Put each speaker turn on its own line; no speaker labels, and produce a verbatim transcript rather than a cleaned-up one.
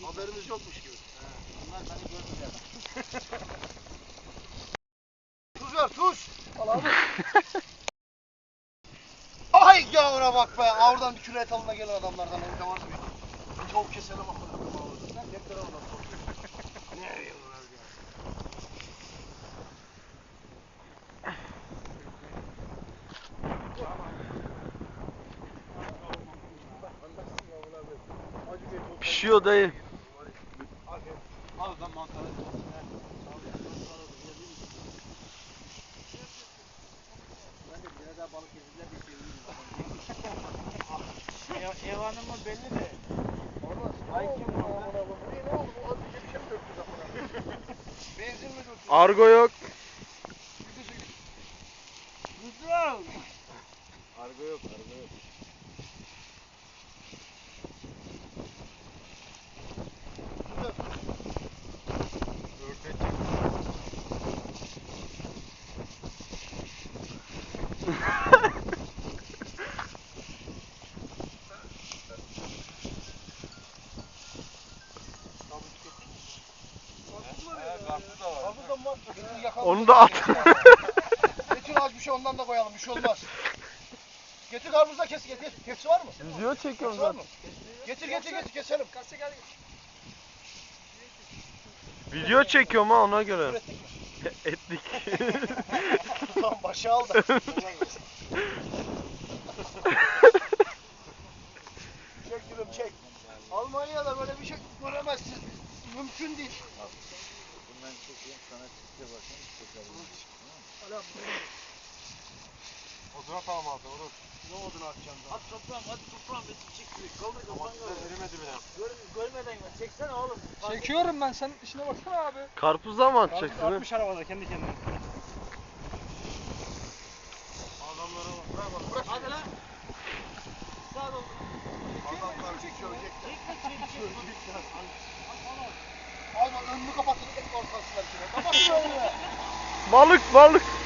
Haberimiz yokmuş gibi.
He. Bunlar beni görmüyor.
Tuz ver tuz. Al abi. Ay yavra bak be. Oradan bir küre et alına gelen adamlardan evde var mı? Bir tavuk keselim bakalım. Sen hep beraber bakalım. Ne yiyorlar ya?
Pişiyor dayı.
Al ben mantarı. Ben de biraz daha balık yediler bir şey yiyeyim. Ev hanımı belli de.
Olmaz. Ay kim bu? Ne oldu? Bu azıcık bir şey mi döktü zamana? Benzin mi döktü?
Argo yok.
Kuzum. Argo yok, argo yok.
Onu da at.
Getir az bir şey ondan da koyalım. Bir şey olmaz. Getir karpuz da kes. Getir. Tepsi var mı?
Video çekiyorum
Tepsi var
zaten.
mı? Getir getir getir keselim.
Video çekiyorum ha ona göre.
Ürettik mi?
Etlik.
Tamam başı al da. Çek gülüm çek. Almanya'da böyle bir şey göremezsin. Mümkün değil.
Bundan çekeyim sana çıkıyor bakayım.
Hala
Oduna tamam abi olur.
ne odunu atacaksın daha?
At toprağım, hadi toprağım. Bir çek. Kaldır
Ama
kafanı.
size erimedi bile.
Gör, görmeden gel. Çeksene oğlum.
Çekiyorum ben, sen işine baksana abi.
Karpuzdan mı atacaksın? ha?
Atmış arabada kendi kendine.
Adamlara bak. Bırak bak. Bırak.
Hadi lan. Sağ ol.
Adamlar söyleyecekler.
Çekme çek.
Söyleyecekler. Al bak önünü kapattın. Et ortasına bir şey. Kapat şöyle.
Balık balık.